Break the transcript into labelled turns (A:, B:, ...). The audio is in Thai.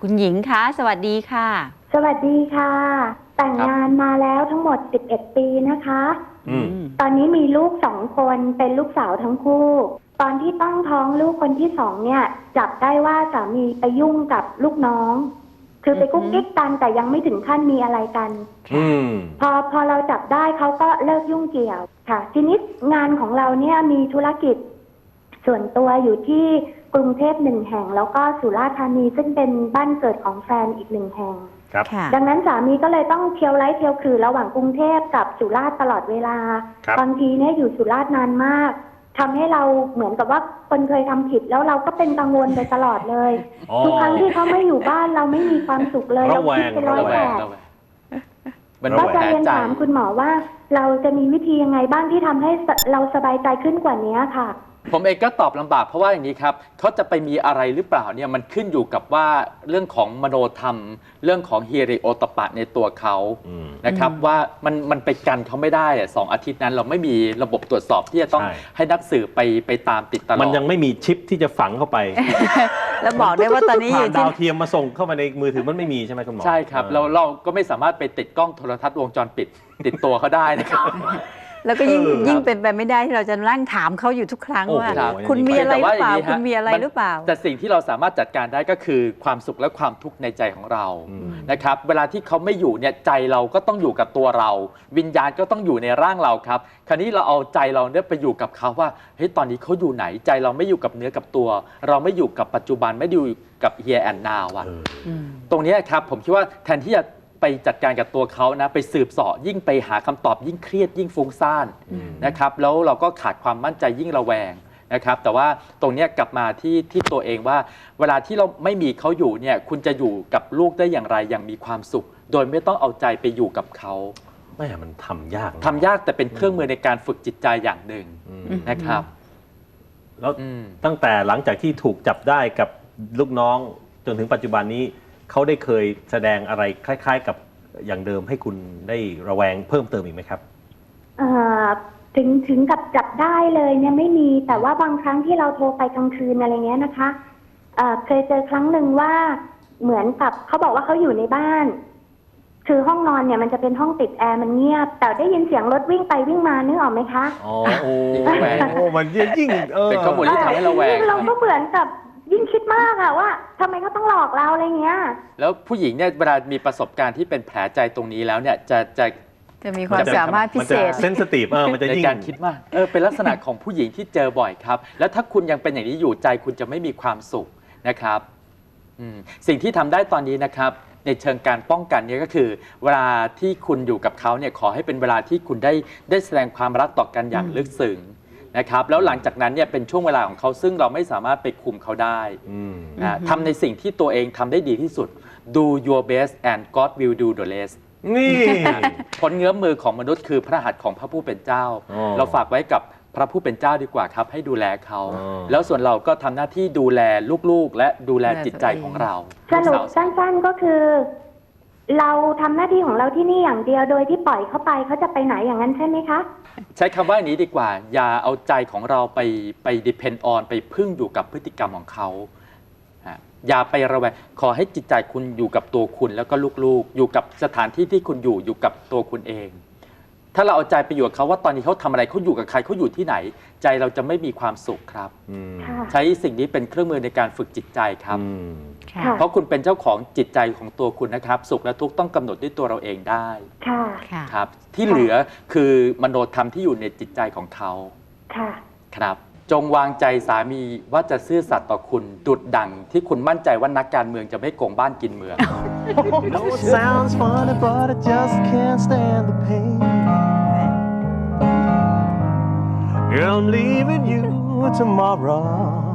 A: คุณหญิงคะสวัสดีค่ะ
B: สวัสดีค่ะ แต่งงานมาแล้วทั้งหมด11 ปีนะคะตอนนี้มีลูก2 คนเป็นลูกสาวทั้งคู่ตอนที่ตั้งท้องลูกคนที่2เนี่ยจับได้ว่าสามีไปยุ่งกับลูกน้องคือไปกุ๊กกิ๊กกันแต่ยังไม่ถึงขั้นมีอะไรกันพอเราจับได้เขาก็เลิกยุ่งเกี่ยวค่ะทีนี้งานของเราเนี่ยมีธุรกิจส่วนตัวอยู่ที่กรุงเทพ1 แห่งแล้วก็สุราษฎร์ธานีซึ่งเป็นบ้านเกิดของแฟนอีก1 แห่งดังนั้นสามีก็เลยต้องเที่ยวไล่เที่ยวคือระหว่างกรุงเทพกับสุราษฎร์ตลอดเวลาบางทีเนี่ยอยู่สุราษฎร์นานมากทำให้เราเหมือนกับว่าคนเคยทำผิดแล้วเราก็เป็นกังวลไปตลอดเลยทุกครั้งที่เขาไม่อยู่บ้านเราไม่มีความสุขเลยเราคิดเป็นร้อยแปดก็จะเรียนถามคุณหมอว่าเราจะมีวิธียังไงบ้างที่ทำให้เราสบายใจขึ้นกว่านี้ค่ะ
C: ผมเองก็ตอบลำบากเพราะว่าอย่างนี้ครับเขาจะไปมีอะไรหรือเปล่าเนี่ยมันขึ้นอยู่กับว่าเรื่องของมโนธรรมเรื่องของฮิริโอตปะในตัวเขานะครับว่ามันไปกันเขาไม่ได้2 อาทิตย์นั้นเราไม่มีระบบตรวจสอบที่จะต้องให้นักสืบไปตามติดตลอด
D: มันยังไม่มีชิปที่จะฝังเข้าไป
A: แล้วบอกได้ว่าตอนนี้
D: ผ่านดาวเทียมมาส่งเข้ามาในมือถือมันไม่มีใช่ไหมคุณหมอ
C: ใช่ครับเราก็ไม่สามารถไปติดกล้องโทรทัศน์วงจรปิดติดตัวเขาได้นะครับ
A: แล้วก็ยิ่งเป็นไปไม่ได้ที่เราจะนั่งถามเขาอยู่ทุกครั้งว่าคุณมีอะไรหรือเปล่าคุณมีอะไรหรือเปล่า
C: แต่สิ่งที่เราสามารถจัดการได้ก็คือความสุขและความทุกข์ในใจของเรานะครับเวลาที่เขาไม่อยู่เนี่ยใจเราก็ต้องอยู่กับตัวเราวิญญาณก็ต้องอยู่ในร่างเราครับคราวนี้เราเอาใจเราเนี่ยไปอยู่กับเขาว่าเฮ้ยตอนนี้เขาอยู่ไหนใจเราไม่อยู่กับเนื้อกับตัวเราไม่อยู่กับปัจจุบันไม่อยู่กับ here and now อ่ะตรงนี้ครับผมคิดว่าแทนที่จะไปจัดการกับตัวเขานะไปสืบเสาะยิ่งไปหาคำตอบยิ่งเครียดยิ่งฟุ้งซ่านนะครับแล้วเราก็ขาดความมั่นใจยิ่งระแวงนะครับแต่ว่าตรงนี้กลับมาที่ตัวเองว่าเวลาที่เราไม่มีเขาอยู่เนี่ยคุณจะอยู่กับลูกได้อย่างไรอย่างมีความสุขโดยไม่ต้องเอาใจไปอยู่กับเขา
D: ไม่มันทำยาก
C: แต่เป็นเครื่องมือในการฝึกจิตใจอย่างหนึ่งนะครับ
D: แล้วตั้งแต่หลังจากที่ถูกจับได้กับลูกน้องจนถึงปัจจุบันนี้เขาได้เคยแสดงอะไรคล้ายๆกับอย่างเดิมให้คุณได้ระแวงเพิ่มเติมอีกไหมครับ
B: ถึงกับจับได้เลยเนี่ยไม่มีแต่ว่าบางครั้งที่เราโทรไปกลางคืนอะไรเงี้ยนะคะเคยเจอครั้งหนึ่งว่าเหมือนกับเขาบอกว่าเขาอยู่ในบ้านคือห้องนอนเนี่ยมันจะเป็นห้องติดแอร์มันเงียบแต่ได้ยินเสียงรถวิ่งไปวิ่งมานึกออกไหมคะ
D: โอ้มันยิ่ง
C: เป็นข้อมูลที่ทำให้เราแวง
B: เราก็เหมือนกับยิ่งคิดมากอะว่าทำไมเขาต้องหลอกเราอะไรเงี้ย
C: แล้วผู้หญิงเนี่ยเวลามีประสบการณ์ที่เป็นแผลใจตรงนี้แล้วเนี่ย
A: จะมีความสามารถพิเศษ
D: เซนซิทีฟมันจะยิ่ง
C: ในการคิดมากเป็นลักษณะของผู้หญิงที่เจอบ่อยครับแล้วถ้าคุณยังเป็นอย่างนี้อยู่ใจคุณจะไม่มีความสุขนะครับสิ่งที่ทำได้ตอนนี้นะครับในเชิงการป้องกันเนี่ยก็คือเวลาที่คุณอยู่กับเขาเนี่ยขอให้เป็นเวลาที่คุณได้แสดงความรักต่อกันอย่างลึกซึ้งนะครับแล้วหลังจากนั้นเนี่ยเป็นช่วงเวลาของเขาซึ่งเราไม่สามารถไปคุมเขาได้ทำในสิ่งที่ตัวเองทำได้ดีที่สุด do your best and God will do the rest
D: นี่
C: ผลเงื้อมมือของมนุษย์คือพระหัตถ์ของพระผู้เป็นเจ้าเราฝากไว้กับพระผู้เป็นเจ้าดีกว่าครับให้ดูแลเขาแล้วส่วนเราก็ทำหน้าที่ดูแลลูกๆและดูแลจิตใจของเรา
B: สรุปสั้นๆก็คือเราทำหน้าที่ของเราที่นี่อย่างเดียวโดยที่ปล่อยเขาไปเขาจะไปไหนอย่างนั้นใช่ไหมคะ
C: ใช้คำว่าอย่างนี้ดีกว่าอย่าเอาใจของเราไป depend on ไปพึ่งอยู่กับพฤติกรรมของเขาอย่าไประแวงขอให้จิตใจคุณอยู่กับตัวคุณแล้วก็ลูกๆอยู่กับสถานที่ที่คุณอยู่กับตัวคุณเองถ้าเราเอาใจไปอยู่กับเขาว่าตอนนี้เขาทำอะไรเขาอยู่กับใครเขาอยู่ที่ไหนใจเราจะไม่มีความสุขครับใช้สิ่งนี้เป็นเครื่องมือในการฝึกจิตใจครับเพราะคุณเป็นเจ้าของจิตใจของตัวคุณนะครับสุขและทุกข์ต้องกำหนดด้วยตัวเราเองได้ครับที่เหลือคือมโนธรรมที่อยู่ในจิตใจของเขาครับจงวางใจสามีว่าจะซื่อสัตย์ต่อคุณดุจดั่งที่คุณมั่นใจว่านักการเมืองจะไม่โกงบ้านกินเมือง Sounds funny but I just can't stand the pain I'm leaving you tomorrow